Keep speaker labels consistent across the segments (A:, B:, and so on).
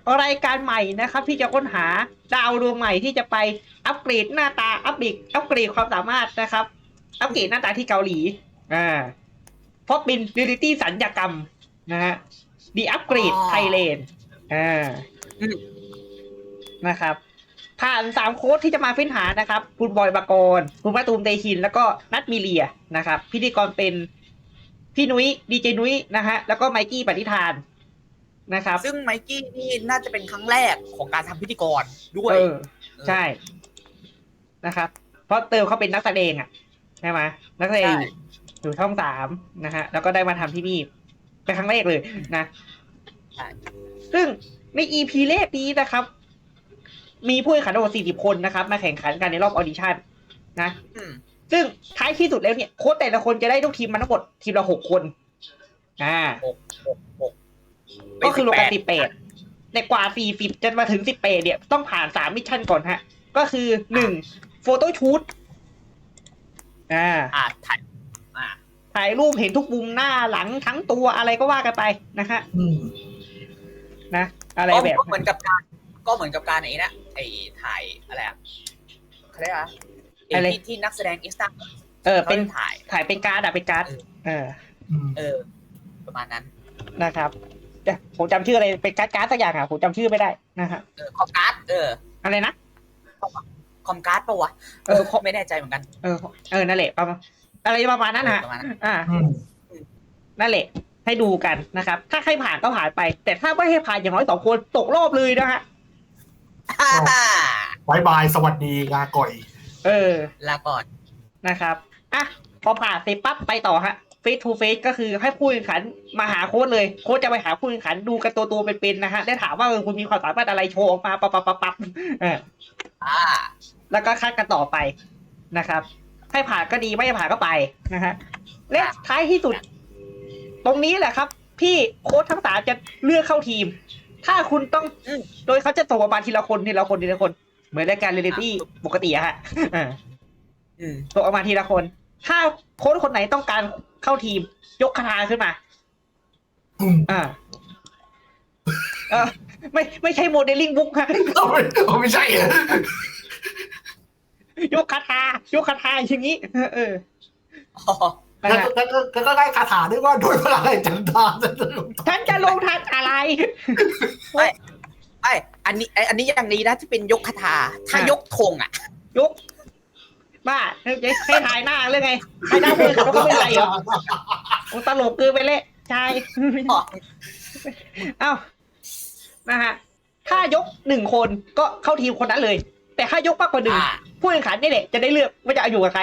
A: รายการใหม่นะครับที่จะค้นหาดาวดวงใหม่ที่จะไปอัปเกรดหน้าตาอัปเกรดความสามารถนะครับอัปเกรดหน้าตาที่เกาหลีเพราะเป็นเรียลลิตี้สัญญกรรมนะฮะดีอัปเกรดไทยแลนด์นะครับผ่าน3โค้ดที่จะมาเฟ้นหานะครับคุณบอยปกรณ์คุณมาตูมเตชินแล้วก็นัทมีเลียนะครับพิธีกรเป็นพี่นุ้ยดีเจนุ้ยนะฮะแล้วก็ไมกี้ปฏิธานนะครับ
B: ซึ่งไมกี้นี่น่าจะเป็นครั้งแรกของการทำพิธีกรด้วย
A: ใช่นะครับเพราะเติมเขาเป็นนักแสดงอ่ะใช่ไหมนักแสดงอยู่ช่อง3นะฮะแล้วก็ได้มาทำที่นี่เป็นครั้งแรกเลยนะซึ่งใน EP แรกนี้นะครับมีผู้แข่งขันทั้งหมด40 คนนะครับมาแข่งขันกันในรอบออดิชั่นนะซึ่งท้ายที่สุดแล้วเนี่ยโค้ชแต่ละคนจะได้ลูกทีมมาทั้งหมดทีมละ6 คนก็คือรวมกัน18แต่กว่า40จนมาถึง18เนี่ยต้องผ่าน3มิชชั่นก่อนฮะก็คือ1โฟโต้ชูตถ่ายรูปเห็นทุกมุมหน้าหลังทั้งตัวอะไรก็ว่ากันไปนะฮะนะอะไรแบบ
B: ก็เหมือนกับการไอ้นะไอ้ถ่ายอะไรอ่ะเขาเรียกอะไรที่นักแสดงอินสตา
A: เป็นถ่ายเป็นการ์ดเป็นการ์ด
B: ประมาณนั้น
A: นะครับผมจำชื่ออะไรเป็นการ์ดสักอย่างผมจำชื่อไม่ได้นะฮะ
B: คอมการ์ด
A: อะไรนะ
B: คอมการ์ดปะวะไม่แน่ใจเหมือนกัน
A: นั่นแหละประมาณอะไรประมาณนั้นฮะนั่นแหละให้ดูกันนะครับถ้าใครผ่านก็ผ่านไปแต่ถ้าไม่ให้ผ่านอย่างน้อย2 คนตกรอบเลยนะฮะ
C: บายบายสวัสดีลาก่อย
B: ลาก่อน
A: นะครับพอผ่านเสร็จปั๊บไปต่อฮะเฟสทูเฟสก็คือให้ผู้แข่งขันมาหาโค้ชเลยโค้ชจะไปหาผู้แข่งขันดูกันตัวเป็นๆนะฮะได้ถามว่าคุณมีความสามารถอะไรโชว์ออกมาปั๊บแล้วก็คัดกันต่อไปนะครับให้ผ่านก็ดีไม่ผ่านก็ไปนะฮะและท้ายที่สุดตรงนี้แหละครับพี่โค้ชทั้ง3จะเลือกเข้าทีมถ้าคุณต้องโดยเขาจะส่งมาทีละคนเหมือนรายการเรียลลิตี้ปกติอะฮะส่งออกมาทีละคนถ้าโค้ชคนไหนต้องการเข้าทีมยกคาถาขึ้นมาไม่ใช่โมเดลลิ่งบุ๊กฮะ
C: ไม่ใช่
A: ยกคาถอย่างนี้
C: ก็ได้คาถาด้วยว่าโดยพลังแห่งจันทรา
A: ฉันจะลงทันอะไร
B: อันนี้อย่างนี้นะที่เป็นยกคาถาถ้ายกธง
A: ยกบ้าให้ถ่ายหน้าเรื่องไงถ่ายหน้าเพื่อนเขาก็ไม่ใส่หรอตลกเกินไปเลยใช่นะฮะถ้ายก1 คนก็เข้าทีมคนนั้นเลยแต่ถ้ายกมากกว่า1ผู้แข่งขันนี่แหละจะได้เลือกว่าจะอยู่กับใคร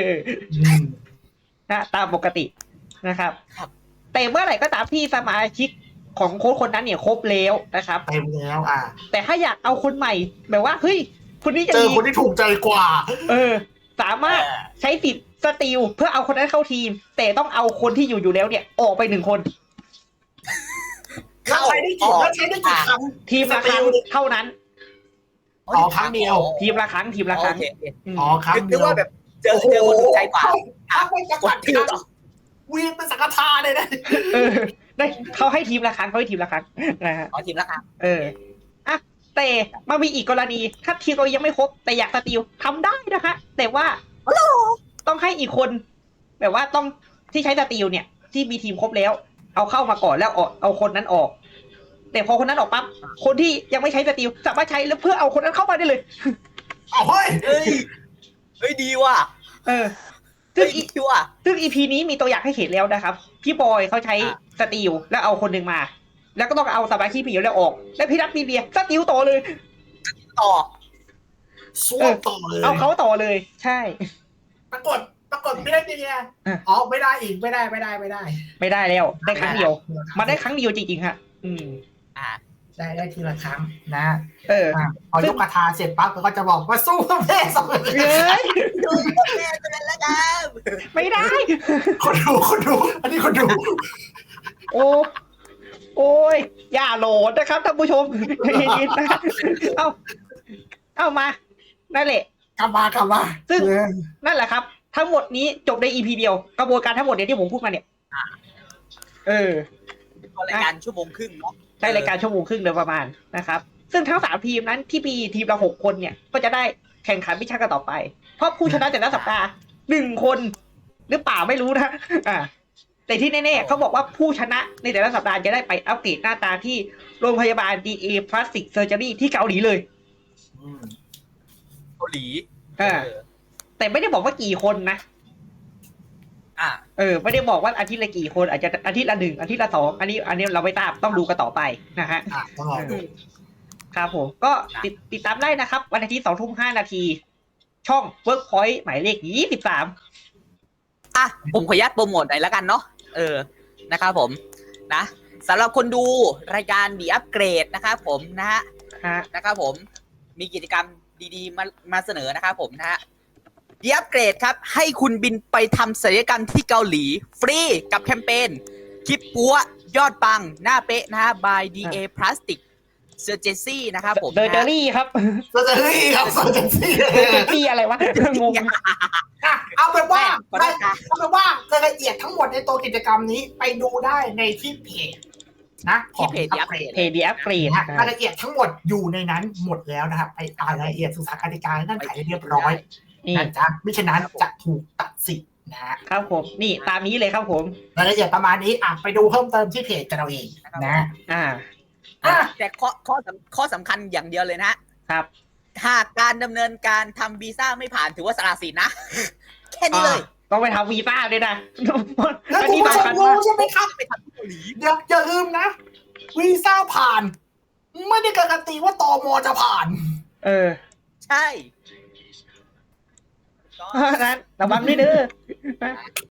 A: นะตามปกตินะครับแต่เมื่อไหร่ก็ตามที่สมาชิกของโค้ชคนนั้นเนี่ยครบแล้วนะครับ
C: เต็มแล้ว
A: แต่ถ้าอยากเอาคนใหม่แบบว่าเฮ้ยคนนี้จะ
C: มีคนที่ถูกใจกว่า
A: สามารถใช้สิทธิ์สตีลเพื่อเอาคนนั้นเข้าทีมแต่ต้องเอาคนที่อยู่แล้วเนี่ยออกไป1 คน
C: ใช้ได้กี่ครั้ง
A: ทีมละครั้งเท่านั้น
C: ครั้งเดียว
A: ทีมละครั้ง
C: ครั้ง
B: นึกว่าแบบเจอคนถูกใจกว่า
C: ไม่จะกัดวีนเป็นสังฆทานเลยนะ
A: ได้เขาให้ทีมละครั้งนะฮะ
B: ทีมละครั้ง
A: แต่มามีอีกกรณีถ้าทีมเรายังไม่ครบแต่อยากสตีลทำได้นะคะแต่ว่าต้องให้อีกคนแบบว่าต้องที่ใช้สตีลเนี่ยที่มีทีมครบแล้วเอาเข้ามาก่อนแล้วเอาคนนั้นออกแต่พอคนนั้นออกปั๊บคนที่ยังไม่ใช้สตีลสามารถใช้แล้วเพื่อเอาคนนั้นเข้ามาได้เลย
C: เ
B: ฮ้ยดีว่ะ
A: ซึ่ง EP นี้มีตัวอย่างให้เห็นแล้วนะครับพี่บอยเขาใช้สตีลแล้วเอาคนหนึ่งมาแล้วก็ต้องเอาสมาชิกผีแล้วออกแล้วพี่นัทมีเรียสติลต่อเลย
C: เลย
A: เอาเขาต่อเลยใช่
C: ปรากฏพี่นัทมีเรียไม่ได้อีกไม่ได้
A: แล้วได้ครั้งเดียวมาได้ครั้งเดียวจริงๆฮะ
C: ได้ทีละครั้งนะพอยกคาถาเสร็จปั๊บก็จะบอกว่าสู้เพื่อแม่2 คน
B: เลยดูเพื่อแม่ตัวนั้นละกัน
A: ไม่ได้
C: คนดูอันนี้คนดู
A: โอ้ยอย่าโหลดนะครับท่านผู้ชมยินๆนะเอามานั่นแหละ
C: กลับมา
A: ซึ่งนั่นแหละครับทั้งหมดนี้จบใน EP เดียวกระบวนการทั้งหมดเนี่ยที่ผมพูดมาเนี่ย
B: รายการ1.5 ชั่วโมงเนาะ
A: ใช้รายการชั่วโมงครึ่งโดยประมาณนะครับ ซึ่งทั้ง3ทีมนั้นที่มีทีมละ6คนเนี่ยก็จะได้แข่งขันมิชชั่นกันต่อไป เพราะผู้ชนะแต่ละสัปดาห์1 คนหรือเปล่าไม่รู้นะแต่ที่แน่ๆเขาบอกว่าผู้ชนะในแต่ละสัปดาห์จะได้ไปอัปเกรดหน้าตาที่โรงพยาบาล DA Plastic Surgery ที่เกาหลีเลย
B: เกาหลี
A: แต่ไม่ได้บอกว่ากี่คนนะไม่ได้บอกว่าอาทิตย์ละกี่คนอาจจะอาทิตย์ละ1อาทิตย์ละ2อันนี้เราไม่ทราบต้องดูกันต่อไปนะฮะ
C: ต้องรอดู
A: ครับผมก็ติดตามได้นะครับวันอาทิตย์20:05 ช่อง Workpoint หมายเลข23
B: ผมขออนุญาตโปรโมทหน่อยแล้วกันเนาะนะครับผมนะสำหรับคนดูรายการดีอัปเกรดนะครับผมนะครับผมมีกิจกรรมดีๆมาเสนอนะครับผมนะฮะดีอัปเกรดครับให้คุณบินไปทำศัลยกรรมที่เกาหลีฟรีกับแคมเปญคลิปปัวยอดปังหน้าเป๊ะนะฮะ by DA Plastic Surgery นะครับผม
A: เดอร์เจอรี่ครับ
C: เซอร์เจอรี่ครับเซอร์เจอ
A: รี่อะไรวะงง
C: เอาเป็นว่ารายละเอียดทั้งหมดในตัวกิจกรรมนี้ไปดูได้ในที่เพจนะ
B: ที่เพจดีอัปเกรด
C: รายละเอียดทั้งหมดอยู่ในนั้นหมดแล้วนะครับไปอ่านรายละเอียดศึกษากติกานั่นไขเรียบร้อยนะจ๊ะมิฉะนั้นจะถูกตัดสิทธิ์
A: นะครับผมนี่ตามนี้เลยครับผม
C: รายละเอียดประมาณนี้ไปดูเพิ่มเติมที่เพจกันเราเองนะ
B: แต่ข้อสำคัญอย่างเดียวเลยนะครับหากการดำเนินการทำวีซ่าไม่ผ่านถือว่าสละสิทธิ์นะแค่นี้เลย
A: ต้องไปทำวีซ่าด้วยนะ
C: แล้วคุณผู้ชมรู้ใช่ไหมครับไปทำเกาหลีอย่าลืมนะวีซ่าผ่านไม่ได้การันตีว่าตม.จะผ่าน
B: ใช่
A: นั้นระวังด้วยเด้อ